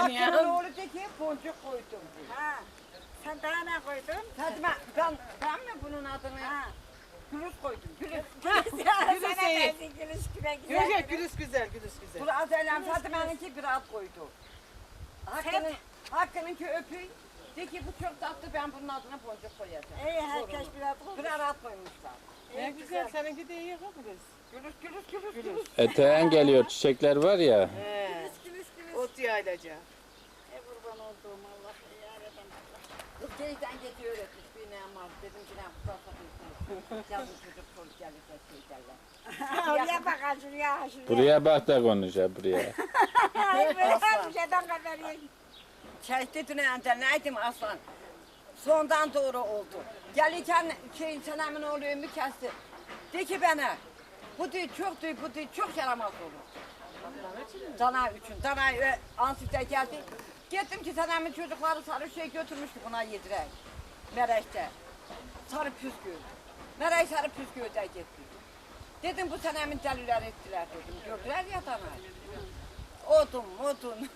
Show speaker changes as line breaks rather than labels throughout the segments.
Hakkı'nın
ya.
oğlu de ki boncuk koydum.
Ha. Sen daha ne koydun?
Hadi ben mi bunun adını?
Ha.
Gülüş koydum. Gülüş.
Gülüş
Sana
iyi.
gelsin gülüş güne
Yok
güzel.
yok gülüş güzel, gülüş güzel.
Dur az eylem Fatime'ninki bir ad koydu. Hakkı'nınki öpüy. De ki bu çok tatlı ben bunun adına boncuk koyacağım.
İyi herkes bir at koymuş.
Birer ad koymuşlar.
Ne güzel, seninki de iyi kız.
Gülüş.
Eteğen geliyor, çiçekler var ya.
He.
Gülüş gülüş.
Ot yaylaca.
Kurban olduğum Allah yaradan Allah.
Kız geyden geçiyor öğretmiş bir ne var. Dedim ki ne kurtarsak insan. Yazın çocuk çocuk gelecek şey derler.
Oraya bak şuraya şuraya.
Buraya bak da konuş ha buraya.
Ay böyle bir şeyden haber yok.
Çeşitli neydim aslan. Sondan doğru oldu. Gelirken senemin oğlu ömrü kesti. De ki bana, bu çok yaramaz olur. Dana için. Dana ansızda geldi. Gittim ki senemin çocukları sarı şey götürmüştü buna yedirek. Mereş'te. Sarı püskü. Mereş sarı püskü de gitti. Dedim bu senemin deliler ettiler dedim. Gördüler ya danayı. Odun.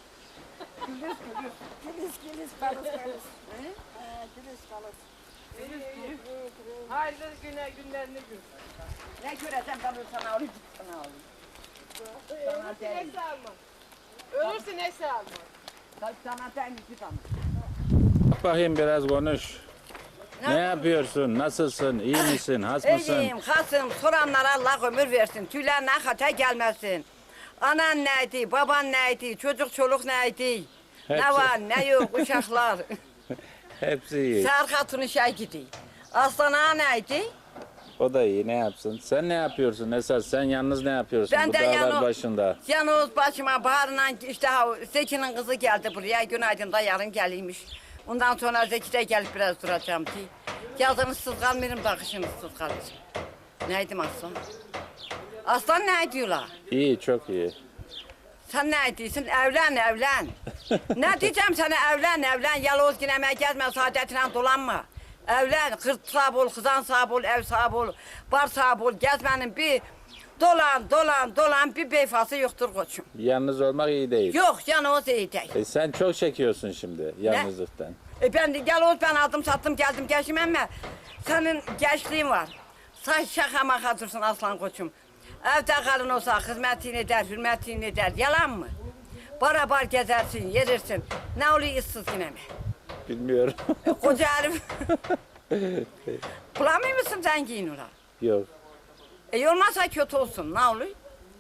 Gülüş balık gülüş. Gülüş balık.
Hayırlı günlerini gül.
Ne göreceğim ben sana alayım, sana alayım. Sana değil.
Neyse alma. Ölürse neyse alma.
Sana değil bir tane.
Bak bakayım biraz konuş. Ne yapıyorsun? Nasılsın? İyi misin? Has mısın?
İyiyim, hasım, soranlara Allah ömür versin. Tüylerine hata gelmesin. Anan neydi, baban neydi, çocuk çoluk neydi? Ne
Hepsi.
var, ne yok, uşaklar.
Hepsi iyi.
Ser hatunu şey gidiyor. Aslan ağa neydi?
O da iyi. Ne yapsın? Sen ne yapıyorsun Esas? Sen yalnız ne yapıyorsun
Ben
bu
de
dağlar başında?
Yalnız başıma baharla işte Zeki'nin kızı geldi buraya. Günaydın da yarın geliymiş. Ondan sonra Zeki de gelip biraz duracağım ki. Yazın ıssız kalmıyorum da kışın ıssız kalacağım. Neydim aslan? Aslan ne diyorlar?
İyi, çok iyi.
Sen ne diyorsun? Evlen. Ne diyeceğim sana evlen. Yaloz ginemeye gezme, saadetine dolanma. Evlen, kız sahibi ol, kızan sahibi ol, ev sahibi ol, bar sahibi ol. Gezmenin bir dolan bir beyfası yoktur koçum.
Yalnız olmak iyi değil.
Yok yaloz iyi değil.
Sen çok çekiyorsun şimdi yalnızlıktan.
Ben de yaloz ben aldım sattım geldim geçim ama senin gençliğin var. Sen şaka maka dursun aslan koçum. Evde kalın olsa hizmetini eder, hürmetini eder. Yalan mı? Barabar gezersin, yerirsin. Ne oluyor ıssız yine mi?
Bilmiyorum.
Koca herif. Bulamıyor musun zengin ola?
Yok.
Olmazsa kötü olsun. Ne oluyor?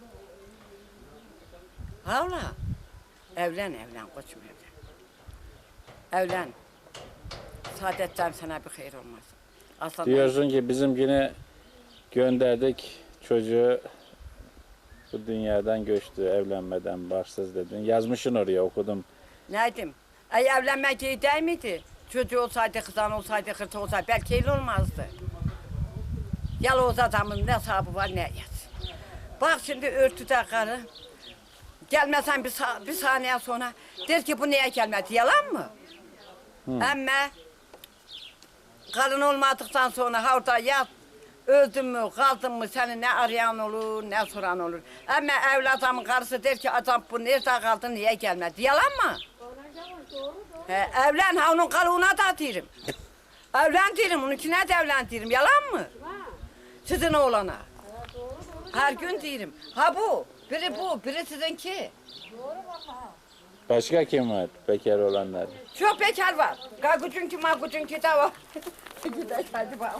Havla. Evlen koçum evlen. Evlen. Saadetten sana bir hayır olmaz. Aslan
Diyorsun ki bizimkini gönderdik. Çocuğu bu dünyadan göçtü evlenmeden barsız dedin. Yazmışsın oraya okudum.
neydim? Evlenmek iyi değil miydi? Çocuğu olsaydı, kızan olsaydı, hırtı olsaydı belki öyle olmazdı. Yalnız adamın ne hesabı var ne yaz. Bak şimdi örtüde karı. Gelmesen bir saniye sonra der ki bu niye gelmedi? Yalan mı? Ama karın olmadıktan sonra orada yat. Öldün mü, kaldın mı seni ne arayan olur, ne soran olur. Ama evladımın karısı der ki adam bu nerede kaldı, niye gelmedi? Yalan mı? Evlen, ha onun kalığına da dirim. Evlen dirim, onunkine de evlen dirim. Yalan mı? Sizin oğlana. Her gün dirim. Ha bu, biri sizinki.
Başka kim var bekar olanlar?
Çok bekar var. Gagucunki magucunki de var. Gidelim hadi bakalım.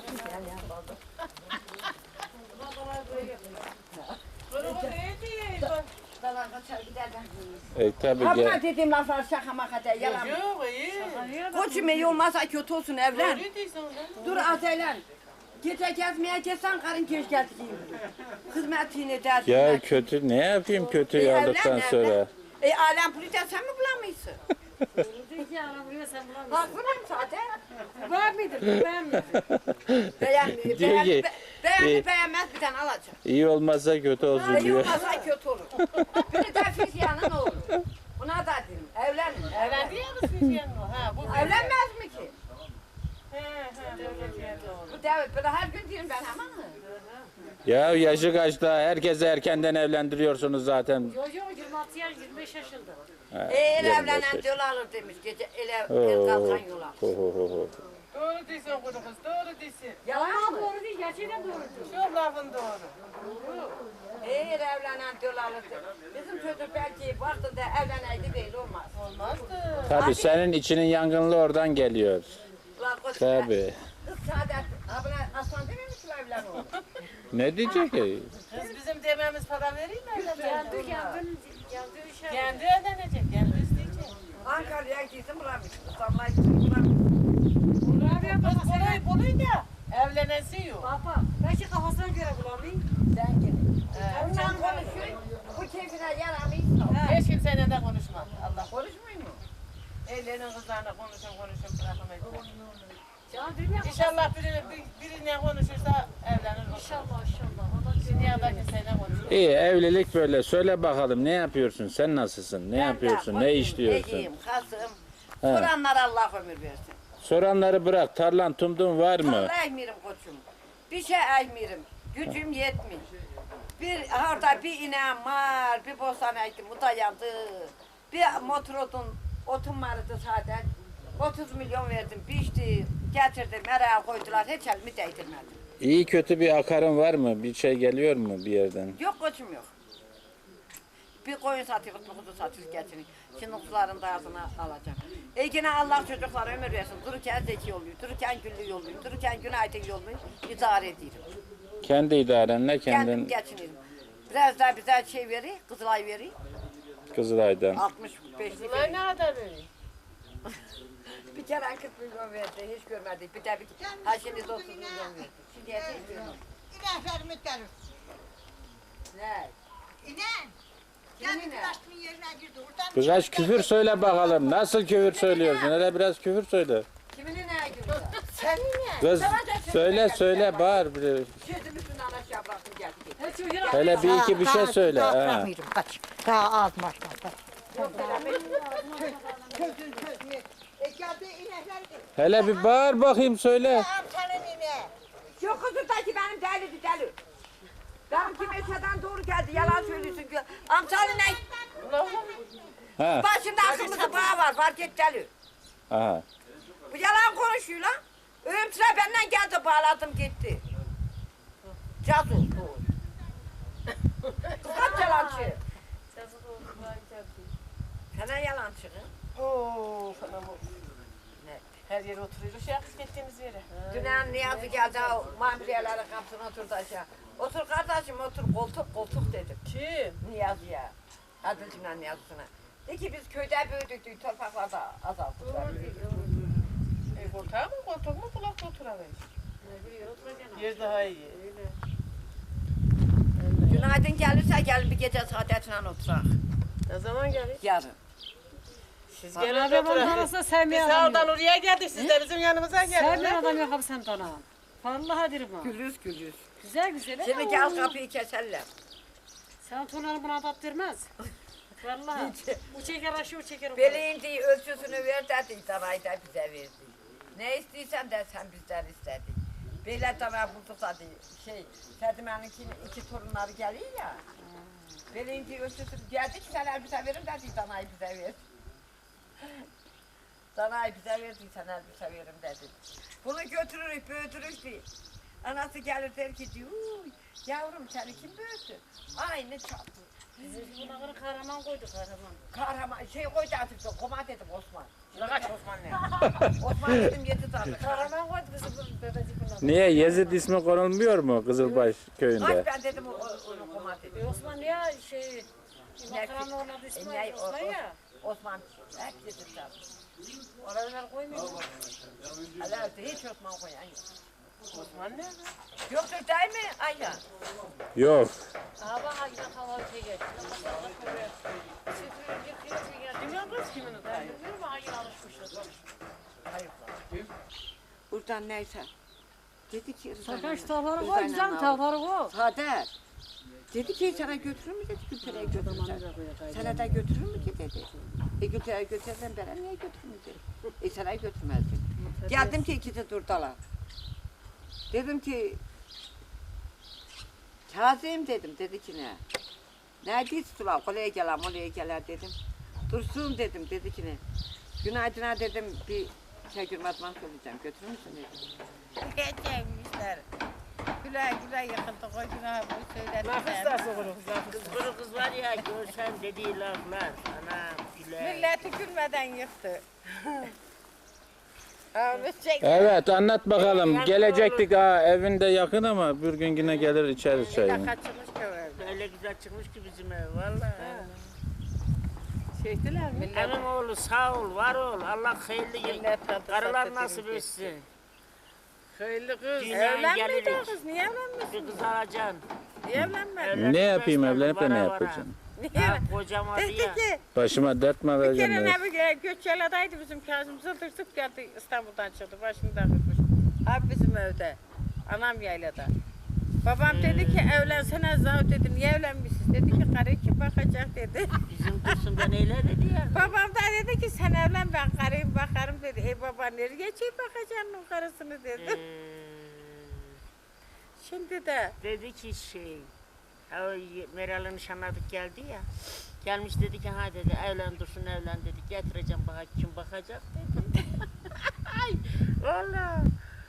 Tabii
Habna dediğim laflar şaka maka de yalan.
Yok iyi.
Koçum iyi olmazsa kötü olsun evlen.
Öyle değilsin lan.
Dur azelen. Gece gezmeye gelsen karın keş geldi diyeyim. Hizmetini eder.
Ya kötü ne yapayım kötü aldıktan sonra?
Alem pulite sen mi bulamıyorsun? Haklıyım zaten.
Var mıdır? Ben mi?
Diyor ki,
Beğenmez bir tane alacak.
İyi olmazsa kötü olsun
İyi
diyor.
olmazsa kötü olur. Biri de fizyanın olur. Buna da dedim. Evlenme.
Evlendi ya kız Füzyan o. Ha bu.
Evlenmez mi ki?
He devlet yerde olur.
Bu devlet böyle her gün diyorum ben ama.
Ya yaşı kaçta? Herkese erkenden evlendiriyorsunuz zaten.
Yok 26 yaş 25
şaşıldı.
Ha,
El
25
evlenen
yaş.
yol alır demiş. Gece el
Oo,
kalkan yol alır.
ho, ho, ho, ho.
Doğru diyorsun kuru kız, doğru diyorsun.
Yalan mı?
Doğru değil, gerçekten doğru.
Çok lafın doğru.
El evlenen yol alır demiş. Bizim çocuk belki vaktinde evleneydi böyle olmaz.
Olmazdı.
Tabii senin içinin yangınlı oradan geliyor.
Ulan koş be.
Tabii.
Kız Saadet, abone aslan dememiş mi evlen oğlum?
Ne diyecek ki?
Kız bizim dememiz para vereyim mi?
Yandı işe.
Kendi ödenecek, kendi isteyecek.
Ankara'ya gitsin bulamış. İstanbul'a gitsin bulamış.
Kız kolay da evlenesi yok.
Baba, belki kafasına göre bulamıyor.
Sen gidin. Ondan konuşuyor. Bu keyfine yaramayız.
Hiç kimseyle de konuşma. Allah
Konuşmuyor mu?
ellerinin kızlarına konuşun bırakamayız.
Can dünya.
İnşallah birine konuşursa evlenir.
İnşallah inşallah.
Dünyada kimseyle konuşur.
İyi evlilik böyle. Söyle bakalım ne yapıyorsun? Sen nasılsın? Ne yapıyorsun? Ne işliyorsun?
Egiyim, kasım.
He.
Soranlara Allah ömür versin.
Soranları bırak. Tarlan tumdun var mı?
Allah ekmirim koçum. Bir şey ekmirim. Gücüm yetmiyor. Bir orada bir ineğim var, bir bostan ektim, bu da yandı. Bir motor otum vardı zaten. 30 milyon verdim, biçti, getirdim, meraya koydular, hiç elimi değdirmedim.
İyi kötü bir akarın var mı? Bir şey geliyor mu bir yerden?
Yok koçum yok. Bir koyun satıyoruz, bir kuzu satıyoruz getirin. Şimdi kuzuların da ağzına alacağım. Yine Allah çocuklara ömür versin. Dururken zeki oluyor, dururken güllü yolluyor, dururken günaydın yolluyor. İdare ediyorum.
Kendi idarenle
Kendim
kendin
geçinirim. Biraz daha bize şey veriyor, Kızılay veriyor.
Kızılay'dan.
65'lik
Kızlar
veriyor.
ne kadar veriyor?
Bir kere 40 milyon verdi, hiç görmedik. Bir de ha şimdi 30 milyon verdi. Şimdi hiç görmedik.
İneklerimi gelir.
Ne?
İnen.
Kimin
Kendi
inen?
kıraçtımın yerine girdi. Oradan
Kızaç küfür söyle bakalım. Nasıl küfür söylüyorsun? Hele biraz küfür söyle.
Kimin ne gülüyor?
Senin ne?
Kız söyle bağır. Bir-
Sözüm üstünden aşağı bıraktım geldi.
Hele bir iki bir şey söyle.
Daha
Ha.
bırakmıyorum. Kaç. Daha az başlar. Sözün. Geldi inekler gitti.
Hele bir bağır bakayım söyle.
Amcanın ineği.
Yok kızıldaki benim deliydi deli. Benimki meşeden doğru geldi, yalan söylüyorsun. Amcanın ne?
Ha.
Başında akıllısı bağı var, fark et deli.
Aha.
Bu yalan konuşuyor lan. Ölüm sıra benden geldi, bağladım gitti. Caz oldu. Kaç yalancı? Sana yalancı.
Oo, falan o.
Ne?
Her yere oturuyoruz ya kız gittiğimiz yere.
Dünen Niyazi geldi, o mamiliyelerin kapısına oturdu aşağı. Otur kardeşim, otur, koltuk dedim.
Kim?
Niyazi'ye. Adılcımla Niyazi'sine. De ki biz köyde büyüdük, torpaklarda azalttılar.
Koltuğa mı koltuk mu kulakta oturamayız. Yer daha iyi.
Günaydın gelirse gelin bir gece saadetle oturak.
Ne zaman gelir?
Yarın.
Siz
Gelin
gelin
adam
oturun.
olmasa
Biz
sevmeyen adam
sağdan
yok.
oraya geldik, siz de bizim yanımıza
Sevmeyen
gelin.
adam yok abi sen tanı. Vallahi derim ha.
Gülüz gülüz.
Güzel güzel.
Şimdi gel kapıyı keserler.
Sen tonları buna tattırmaz. Vallahi. Bu çeker aşı o çeker o.
Beleğin ölçüsünü ver dedi, danayı da bize verdi. Ne istiyorsan de sen bizden istedin. Böyle dana bulduk da Fadime'nin iki torunları geliyor ya. Beleğin ölçüsünü geldi ki sen elbise verin dedi, danayı bize ver. Danayı bize verdi, sen elbise verim dedi. Bunu götürürük, büyütürük diye. Anası gelir der ki diyor, "Uy, yavrum seni kim büyüttü? Aynı çapı.
Biz bunları kahraman koyduk kahraman.
Kahraman koydu artık, koma dedim Osman. Şimdi kaç Osman ne? Osman dedim 7 tane.
Kahraman koydu bizi bu bebecik bunlar.
Niye Yezid ismi konulmuyor mu Kızılbaş köyünde?
Kaç ben dedim onu koma dedim.
Osman ya şey makaranın orada
Ne,
İsmail Osman ya.
Osman hep 7 tane.
Oralar koymuyor.
Alevde hiç Osman koyan yok.
Osman nerede?
Yoktur değil mi Ayla?
Yok.
Aha bak ha yine hava şey geldi.
Bilmiyorum kız kimin o dayı.
Bilmiyorum ha yine alışmışız.
Hayır. Buradan neyse. Dedi ki
Sakaş tavları koy güzel tavları koy.
Saadet. Dedi ki sana götürür mü dedi Gültere'ye götürürsen. Sana da götürür mü ki dedi. Gültere'ye götürsen bana niye götürmeyecek? Sana götürmezdim. Geldim ki ikisi durdular. Dedim ki Kazım dedim, dedi ki ne? Ne diyorsun? Oraya gelen dedim. Dursun dedim, dedi ki ne? Günaydın'a dedim, bir Şegül Matman söyleyeceğim, götürür müsün dedim. Geçeymişler. Güle güle yıkıldı, o günah bu söyledi.
Lafız da soğuruz, lafız.
Kız kuru kız var ya görsen dediği laflar. Ana güle.
Milleti gülmeden yıktı. Öyle çek.
Evet anlat bakalım. Gelecektik ha evinde yakın ama bir gün yine gelir içeriz çayını.
Kaçırmış ki öyle.
Öyle güzel çıkmış ki bizim ev valla.
Çektiler mi?
Emin oğlu sağ ol, var ol. Allah hayırlı karılar nasip etsin.
Hayırlı kız.
Dünyaya
Evlenmedi
gelirik.
kız, niye evlenmesin?
Bir kız alacaksın.
Niye evlenmedi?
Evlenmek
Ne yapayım
istemem,
evlenip de ne
vara vara.
yapacağım?
Niye?
Ha, kocam adı
Dedi
ya.
ki,
Başıma dert mi
bir kere
alacağım?
ne bir Göçyaladaydı bizim Kazım Zıldırsık geldi İstanbul'dan çıktı başını takılmış. Abi bizim evde. Anam yaylada. Babam dedi ki evlensene Zav dedim. Niye evlenmişsiniz? Dedi ki karı kim bakacak dedi.
Bizim Dursun ben öyle dedi ya.
Babam da dedi ki sen evlen ben karıyım bakarım dedi. Baba nereye çek bakacaksın o karısını dedi. Şimdi de
Dedi ki o Meral'ı nişanladık geldi ya. Gelmiş dedi ki ha dedi evlen Dursun evlen dedi. Getireceğim bak kim bakacak dedi. Ay valla.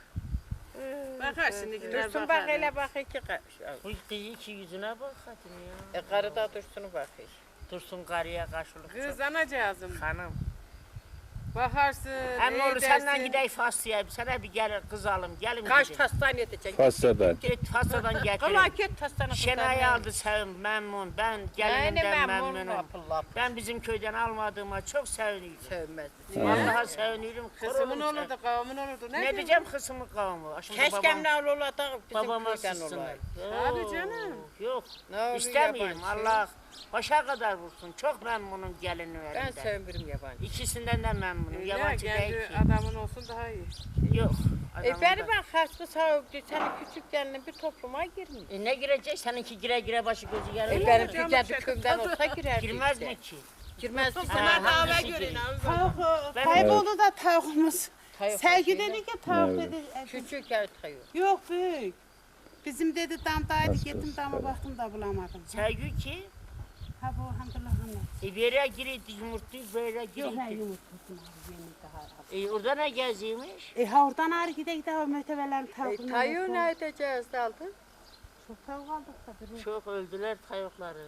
Bakar şimdikiler
Dursun
bakar.
bak hele bak iki
Bu kızı ki yüzüne bak hadi ya.
karı da Dursun'u bakıyor.
Dursun karıya karşılık çok.
Kız anacığızım.
Hanım.
Bakarsın,
Hem oğlu senden
edersin.
gidelim Faslı'ya. Sana bir gel kız alım. Gelin
Kaç
gidelim.
hastane edecek?
Fassadan.
Git Faslı'dan
Kıla
getirin.
git hastane.
Şenay aldı sevim memnun. Ben gelinimden memnunum.
Abdullah.
Ben bizim köyden almadığıma çok seviniyorum.
Sevmez.
Vallahi seviniyorum.
Kızımın
Kururum
olurdu, kavmin olurdu.
Ne diyeceğim kızımın kavmi? Şimdi
Keşkem ne olur da bizim
babama
köyden
sızsınlar.
olaydı.
Tabii canım.
Yok.
Ne olur
İstemiyorum.
yabancı.
Allah başa kadar vursun. Çok memnunum
Ben
gelinlerinden.
sevmiyorum yabancı.
İkisinden de memnunum.
Öyle,
Yabancı değil
kendi
ki.
adamın olsun daha iyi.
Yok.
Beni
adamın da-
ben kaçtı sağlıklı. Senin küçük gelinin bir topluma girmiyor.
Ne girecek? Seninki gire gire başı gözü yarılır.
Benim
canım,
bir kendi
şey-
köyümden olsa girer.
Girmez mi ki?
Girmez.
Ha, hangisi girir? Ben-
Kayboldu da tavuğumuz.
Tavuk
Sevgi
olsun.
dedi ki tavuk
Evet.
dedi.
Küçük yer tavuk.
Yok büyük. Bizim dedi damdaydı gittim dama baktım da bulamadım.
Sevgi ki
Ha bu hamdülillah anne.
bire giriydi yumurtluyu böyle
Yok
giriydi.
ne yumurtasın abi yemin daha.
Orada ne geziymiş?
Ha oradan ağrı gide o mötevelerin tavuğunu.
Tavuğu ne edeceğiz de aldın?
Çok tavuk aldık da biri.
Çok öldüler tavukları.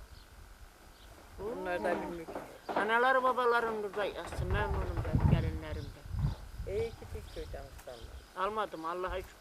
Bunlar da bilmiyor.
Anaları babalarım burada yatsın memnunum ben gelinlerimden.
İyi ki bir köyden kızlarlar.
Almadım Allah'a şükür.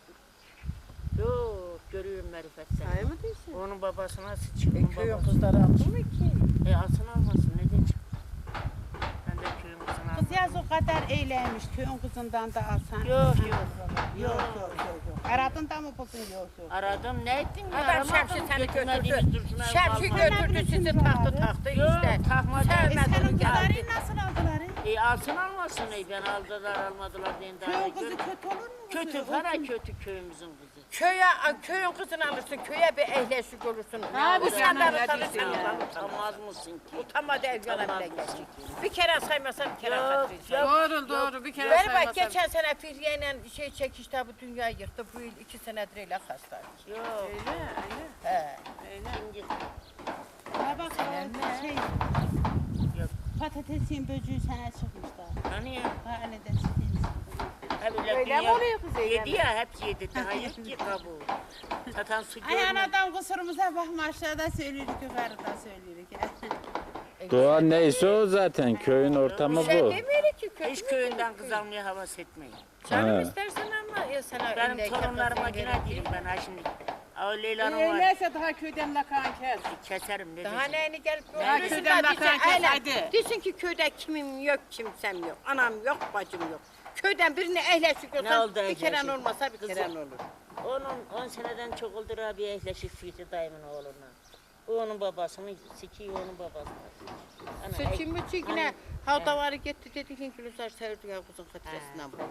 Yok görüyorum marifetten.
Hayır mı diyorsun?
Onun babasına sıçıyor. Onun
Köyün
babası.
kızları aldı mı ki?
Alsın almasın ne diyeceğim. Ben de köyün kızını
Kız
almadım.
yaz o kadar eyleymiş köyün kızından da alsan.
Yok yok.
Yok yok yok. Aradın da mı buldun yok yok.
Aradım ne ettin ya?
Adam
Aramadım.
Şemsi seni
Götürmediğimiz
götürdü.
Dursun'a
Şemsi
kalmadı.
götürdü sizi taktı
Yok
işte.
takmadı.
Sevmedi
Senin
onu geldi.
kızların nasıl aldılar?
Alsın almasın ben aldılar almadılar diye daha
Köyün
ne
kızı
gör-
kötü olur mu?
Kötü fena kötü köyümüzün kızı.
Köyün kızını alırsın, köye bir ehleşik olursun.
Abi
Utanmadan
canım,
utanırsın.
ne diyorsun ya?
Utanmaz mısın ki?
Utanmadı el yana bile geçecek. Bir kere saymasa bir kere
Yok,
hatırlayacak.
Doğru doğru bir kere
Ver bak
saymasam.
geçen sene Firye'yle şey çekişti bu dünyayı yıktı. Bu yıl 2 senedir öyle hastaydı.
Yok.
Öyle öyle.
He.
Şimdi
Ha bak o şey.
Yok.
Patatesin böcüğü sana çıkmışlar.
hani ya?
Ha öyle de sizin.
Öyle
mi oluyor kız
Yedi
Eylem?
ya hepsi yedi. Daha yok ki kabuğu. Satan su
Ay
görmedi.
anadan kusurumuza bakma aşağıda söylüyoruz yukarıda söylüyoruz.
Doğa neyse o zaten köyün ortamı
Şey
bu.
demiyor ki kötü.
Hiç köyünden kız almaya havas etmeyin.
Canım
Ha.
istersen ama ya sana
Benim
ille
torunlarıma
kafasını
yine
verir.
diyorum ben ha şimdi. O Leyla'nın var.
Neyse daha köyden lakan kes.
Keserim ne
Daha
diyeceğim.
neyini gelip
Daha
görürsün
köyden
da
bakan
diyeceksin,
kes,
öyle.
hadi.
Diyorsun ki köyde kimim yok, kimsem yok. Anam yok, bacım yok. Köyden birine ehleşik
Ne
olsan
oldu
bir kere
ehleşik?
olmasa bir kere
Kızım.
olur.
10 seneden çok oldu Rabia ehleşik Füti dayımın oğluna. O onun babasını sikiyor onun babasını. Ana,
Seçim mi yine havdavarı gitti dedi ki Gülüzar sevdi ya kızın hatırasından bu.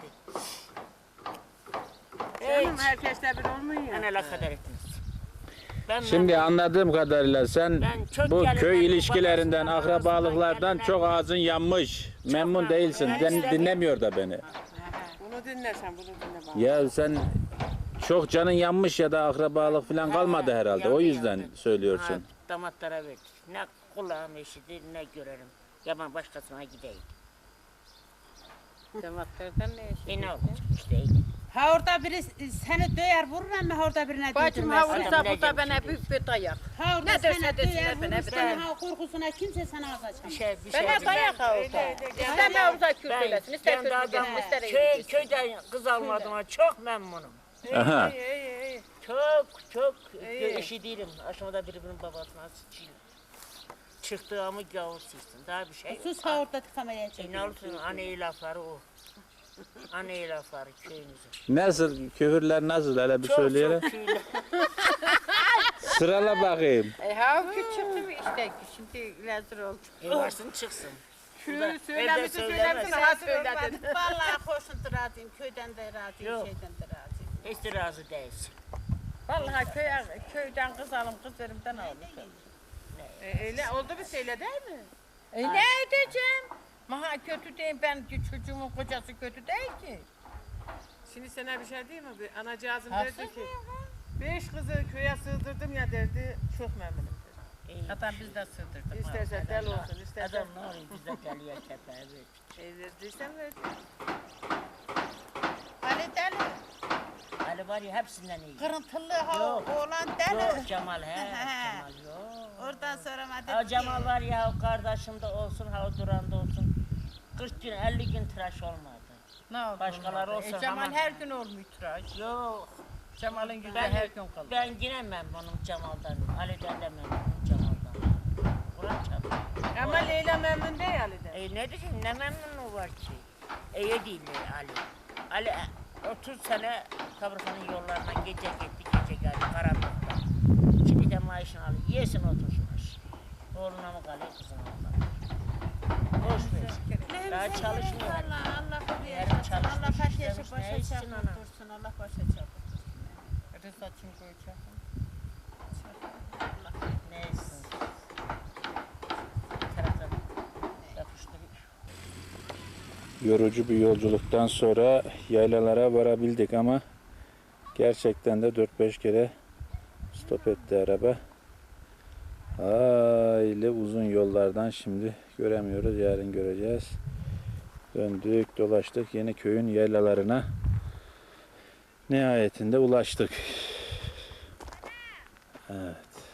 Canım herkesle bir olmuyor ya.
Ana la kadar ettiniz. Ben
Şimdi anladığım kadarıyla sen
Ben çok
bu
gelinler,
köy
bu
ilişkilerinden,
babasından,
akrabalıklardan
gelinler.
çok ağzın yanmış. Memnun değilsin. Dinlemiyor da beni.
Bunu dinlersen bunu dinle bana.
Ya sen çok canın yanmış ya da akrabalık falan kalmadı herhalde. O yüzden söylüyorsun.
Damatlara verdik. Ne kulağım eşidir ne görelim. Yaman başkasına gideyim.
Damatlardan ne işi?
Ne olacak işte.
Ha orada biri seni döyer vurur ama orada birine
Bacım
değdirmez.
ha vursa bu da bana büyük bir dayak.
Ha orada
Ne derse
seni
desinler,
döyer
ben
vurur
hep
seni ha korkusuna kimse sana ağız açamaz.
Bir şey
Bana dayak ha orada. İster Mevza Kürt söylesin, ister
kendi
Kürt
adam
söylesin, ister Eylül.
köyden kız almadığıma çok memnunum.
Aha.
İyi.
Çok eşi değilim. Aşağıda birbirinin babasına sıçayım. Çıktığımı gavur silsin. Daha bir şey yok.
Sus ha orada kameraya
Ne
çekiyor.
olursun anne lafları o. Anne lafları köyümüzün.
Nasıl küfürler nasıl hele bir söyleyelim.
Çok köyler.
Sırala bakayım.
Ha küçüktüm işte, şimdi lezzet oldu.
Varsın çıksın.
Söylemişsin
söylemez.
ha söyledin.
Vallahi hoşun da razıyım. Köyden de razıyım,
Yok.
şeyden de razıyım.
Hiç de razı değilsin.
Vallahi köyden kız alım, kız elimden almışım.
Öyle oldu bir şeyle değil mi?
Ne edeceğim? Maha kötü değil, ben çocuğumun kocası kötü değil ki.
Şimdi sana bir şey diyeyim mi? Bir anacığızım derdi ki 5 kızı köye sığdırdım ya derdi. Çok memnunum dedi.
Zaten biz de sığdırdık.
İstersen del olsun, istersen
Adam ne oluyor bize geliyor kepeğe ver.
verdiysen ver.
Ali deli,
Ali var ya hepsinden iyi.
kırıntılı ha
Yok.
oğlan deli.
Yok Cemal he. Cemal yok.
Oradan sonra mı
Ha
dedi
Cemal
ki,
var ya kardeşim de olsun ha Duran da olsun. 40 gün 50 gün tıraş olmadı.
Ne oldu?
Başkaları olsa
Cemal
ama-
her gün olmuyor tıraş.
Yok.
Cemal'in yüzü
Ben,
her gün kalır.
ben yine memnunum Cemal'dan. Ali'den de memnunum Cemal'dan. Kur'an çarptı.
Ama Leyla memnun değil Ali'den.
Ne diyeyim ne memnunu var ki? İyi değil Ali. Ali 30 sene fabrikanın yollarından gece gitti gece geldi karanlıkta. Şimdi de maaşını alıyor. Yesin otursun. Oğluna mı kalıyor kızına mı kalıyor? Boş ver. Daha çalışmıyor.
Allah Allah
Yarın
koruyor.
çalışmış,
Allah kaç
işlemiş,
yaşı
ne
başa
içsin ana?
çarptırsın. Allah başa çarptırsın.
Rızaç'ın koyacak.
Neyse. Bir taraftan yapıştırıyor.
Yorucu bir yolculuktan sonra yaylalara varabildik ama gerçekten de 4-5 kere stop etti araba. Aile uzun yollardan şimdi göremiyoruz. Yarın göreceğiz. Döndük, dolaştık. Yeni köyün yaylalarına nihayetinde ulaştık. Evet.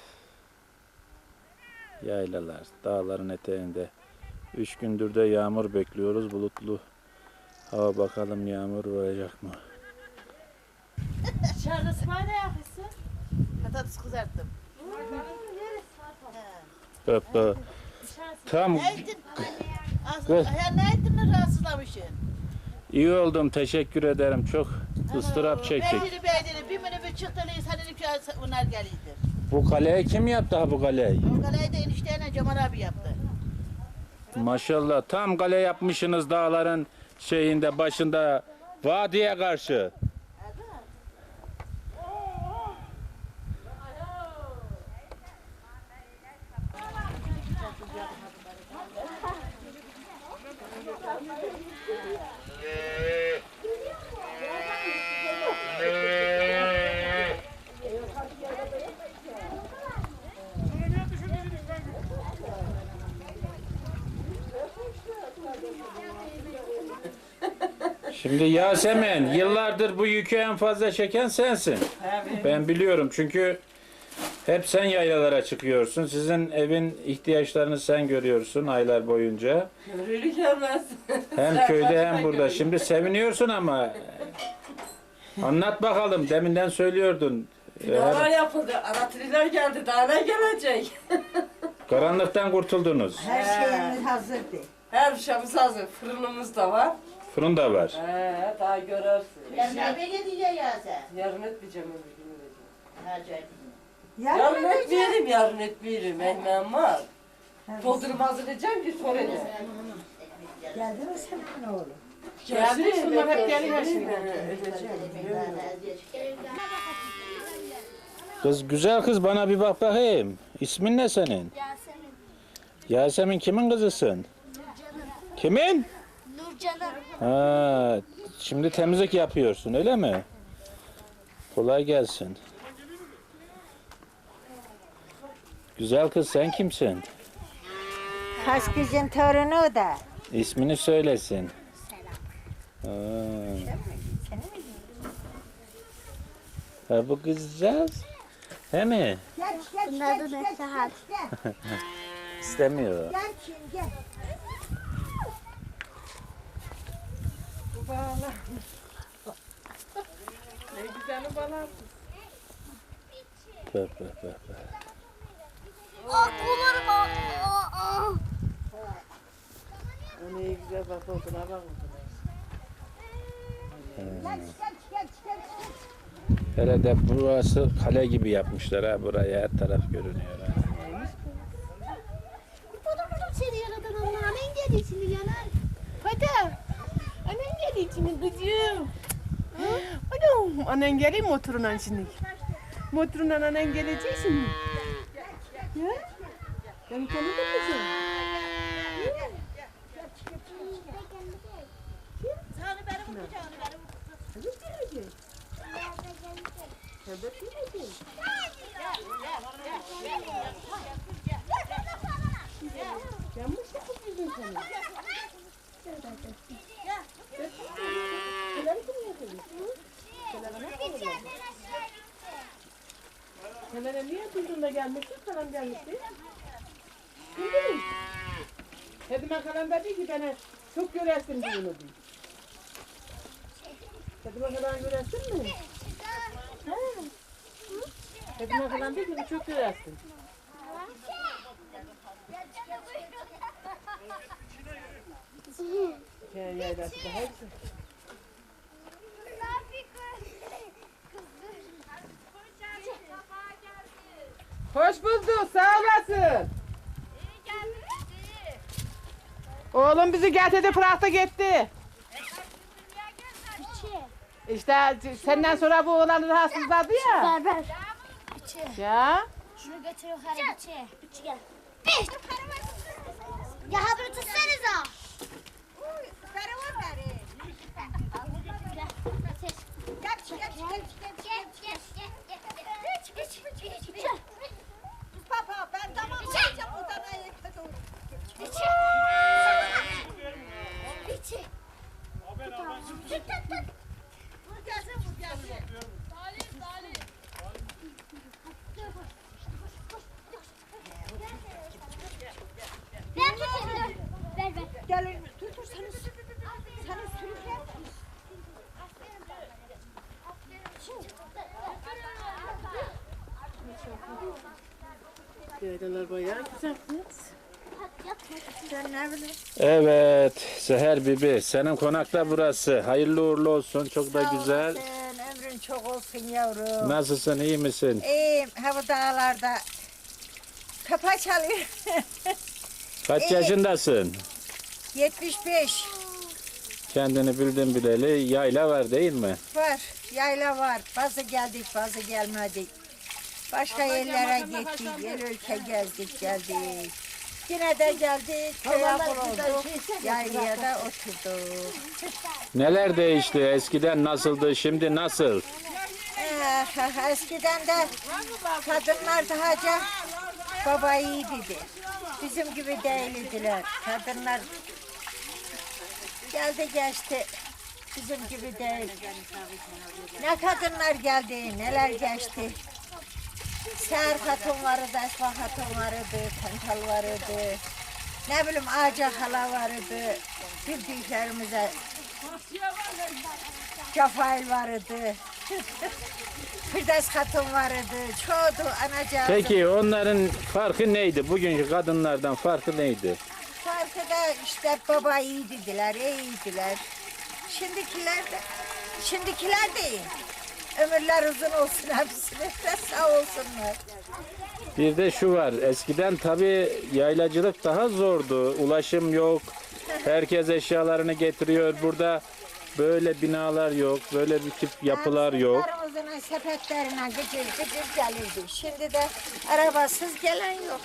Yaylalar, dağların eteğinde. 3 gündür de yağmur bekliyoruz. Bulutlu hava, bakalım yağmur vuracak mı?
Dışarıda sıkmayı da yakışsın.
Patates kızarttım.
Hoppa. Tam
Ne ettin? Ya ne ettin rahatsızlamışsın?
iyi oldum. Teşekkür ederim. Çok ıstırap çektik.
Beydiri bir minibüs çıktılıyız hani bunlar geliydi.
Bu kaleyi kim yaptı ha bu kaleyi?
O kalayı da enişteyle Cemal abi yaptı.
Maşallah tam kale yapmışsınız dağların şeyinde başında vadiye karşı. Şimdi Yasemin, yıllardır bu yükü en fazla çeken sensin. Ben biliyorum çünkü hep sen yaylalara çıkıyorsun. Sizin evin ihtiyaçlarını sen görüyorsun aylar boyunca. Hem köyde hem burada. Şimdi seviniyorsun ama anlat bakalım. Deminden söylüyordun.
Neler yapıldı? Aratriler geldi. Daha ne gelecek?
Karanlıktan kurtuldunuz.
Her şeyimiz hazırdı.
Her şeyimiz hazır. Fırınımız da var.
Fırın da var.
Daha görürsün.
Yarın eve gideceğiz ya sen.
Yarın etmeyeceğim öbür gün edeceğim.
Acayip.
Yarın etmeyelim, yarın etmeyelim. Ekmeğim var. Doldurup hazırlayacağım ki sonra edeceğim.
Geldi mi senin oğlum?
Geldi, şunlar hep geliyor şimdi.
Kız güzel kız bana bir bak bakayım. İsmin ne senin?
Yasemin.
Yasemin kimin kızısın? Kimin?
Nurcan'ın.
Ha, şimdi temizlik yapıyorsun öyle mi? Kolay gelsin. Güzel kız sen kimsin?
Kaskıcın torunu o da.
İsmini söylesin. Ha. Ha, bu kızcağız. He mi?
Bunun adı Nesahat.
İstemiyor.
Ne güzel balam.
Bak bak bak.
O ne güzel bak oduna bak oduna.
Herhalde burası kale gibi yapmışlar ha, buraya her taraf görünüyor ha.
Seni yaradan Allah. Annen geliyor şimdi yanar. Hadi. Annen geliyor şimdi kızım.
Anam, annen geliyor motorundan şimdi. Motorundan annen gelecek şimdi. Ya? Ben tanıdım kızım.
Sana benim kucağını benim.
Selena niye duydun da gelmişsin? Kalan gelmişti. Bildin mi? Hedime kalan dedi ki bana çok göresin diyor onu diyor. Hedime kalan göresin mi? Ha. Hedime kalan dedi ki çok göresin. Yaylası da hepsi. Hoş bulduk, sağ olasın. Oğlum bizi getirdi, bıraktı gitti. İşte senden sonra bu oğlanı rahatsızladı ya.
Berber.
Ya.
Şunu götür yukarı içe. İçi gel. Ya haberi tutsanıza.
Papa ben tamam olacağım odana yıkadım. Vur gelsin vur gelsin.
Gel dur sana sürükler.
Yaylalar bayağı güzel kız.
Sen ne bileyim.
Evet, Seher Bibi, senin konakta burası. Hayırlı uğurlu olsun, çok da güzel.
Sen ömrün çok olsun yavrum.
Nasılsın, iyi misin?
İyiyim. Ha bu dağlarda kafa çalıyor.
Kaç yaşındasın?
75
Kendini bildim bileli yayla var değil mi?
var. Yayla var. Bazı geldik, bazı gelmedik. Başka yerlere gittik. El ülke gezdik, geldik. Yine de geldik. Köye olduk. Yaylaya da oturduk.
Neler değişti? Eskiden nasıldı, şimdi nasıl?
Eskiden de kadınlar daha baba iyiydi. Bizim gibi değildiler. Kadınlar geldi geçti. Bizim gibi değil. Ne kadınlar geldi, neler geçti. Seher hatun vardı, Esma hatun vardı, Kantal vardı. Ne bileyim Ağaca hala vardı. Bildiklerimize Cafail vardı. Firdevs hatun vardı. Çoğdu anacığım.
Peki onların farkı neydi? Bugünkü kadınlardan farkı neydi?
Farkı da işte baba iyiydiler, iyiydiler. Şimdikiler de iyi. Ömürler uzun olsun hepsine de sağ olsunlar.
Bir de şu var, eskiden tabii yaylacılık daha zordu. Ulaşım yok, herkes eşyalarını getiriyor. Burada böyle binalar yok, böyle bir tip yapılar yok.
Sırtlarımızın sepetlerine gıcır gıcır gelirdi. Şimdi de arabasız gelen yok.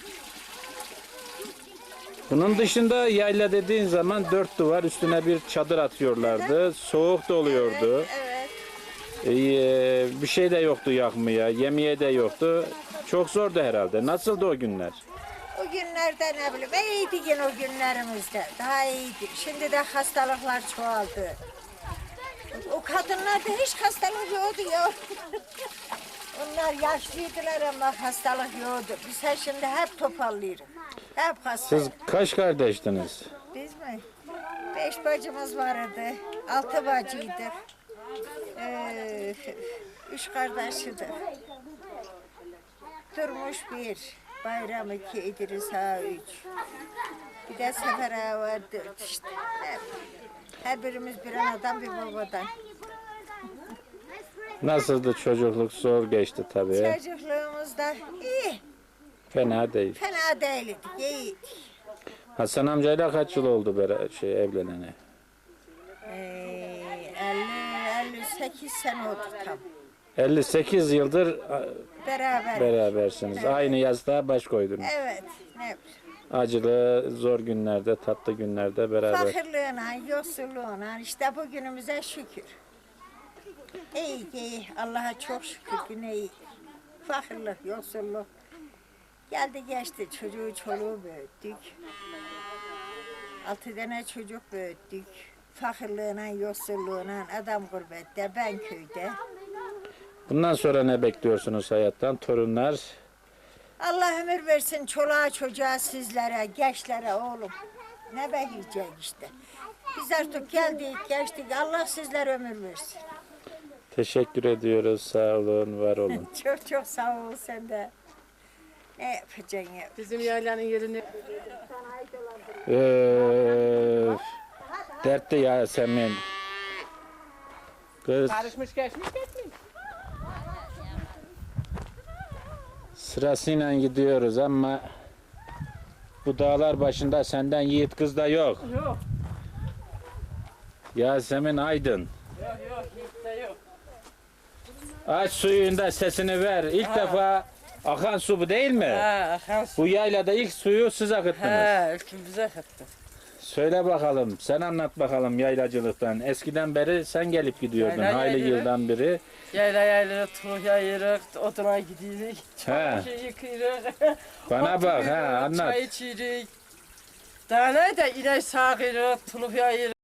Bunun dışında yayla dediğin zaman dört duvar üstüne bir çadır atıyorlardı. Soğuk da oluyordu.
Evet.
Bir şey de yoktu yakmaya, yemeğe de yoktu. Çok zordu herhalde. Nasıldı o günler?
O günlerde ne bileyim iyiydi yine o günlerimizde. Daha iyiydi. Şimdi de hastalıklar çoğaldı. O kadınlarda hiç hastalık yoktu ya. Onlar yaşlıydılar ama hastalık yoktu. Biz şimdi hep topallıyoruz. Hep hasta.
Siz kaç kardeştiniz?
Biz mi? 5 bacımız vardı. 6 bacıydık. 3 kardeşidik. Durmuş 1. Bayram 2, İdris Ağa 3. Bir de Sefer Ağa var 4 işte. Her birimiz bir anadan bir babadan.
Nasıldı çocukluk? Zor geçti tabii.
Çocukluğumuzda iyi.
Fena değil.
Fena değildik, iyiydik.
Hasan amcayla kaç yıl oldu evlenene?
58 sene oldu tam.
58 yıldır
Beraber.
berabersiniz.
Evet.
Aynı yastığa baş koydunuz.
Evet. Ne?
Acılı, zor günlerde, tatlı günlerde beraber.
Fakirliğine, yoksulluğuna işte bugünümüze şükür. İyi iyi. Allah'a çok şükür yine iyi. Fakirlik, yoksulluk. Geldi geçti çocuğu çoluğu büyüttük. 6 tane çocuk büyüttük. Fakirliğine, yoksulluğuna, adam gurbette, ben köyde.
Bundan sonra ne bekliyorsunuz hayattan? Torunlar?
Allah ömür versin çoluğa çocuğa sizlere, gençlere oğlum. Ne bekleyecek işte. Biz artık geldik, geçtik. Allah sizlere ömür versin.
Teşekkür ediyoruz. Sağ olun, var olun.
Çok çok sağ ol sen de. Ne yapacaksın ya?
Bizim yaylanın yerini
Dertli Yasemin. Kız
karışmış geçmiş geçmiş.
sırasıyla gidiyoruz ama bu dağlar başında senden yiğit kız da yok.
Yok.
Yasemin Aydın.
Yok hiç de yok.
Aç suyunda sesini ver. İlk defa akan su bu değil mi?
akan
Bu yaylada ilk suyu siz akıttınız.
ülkemize akıttı.
Söyle bakalım, sen anlat bakalım yaylacılıktan. Eskiden beri sen gelip gidiyordun,
Yayla
hayli
yayılır.
yıldan beri.
Yayla tuluk yayırık, oduna gidiyoruz.
He.
Çamaşır yıkıyoruz.
Bana bak, ha
oturuyoruz,
anlat.
Çay içiyoruz. Daha ne de inek sağıyoruz, tuluk yayırık.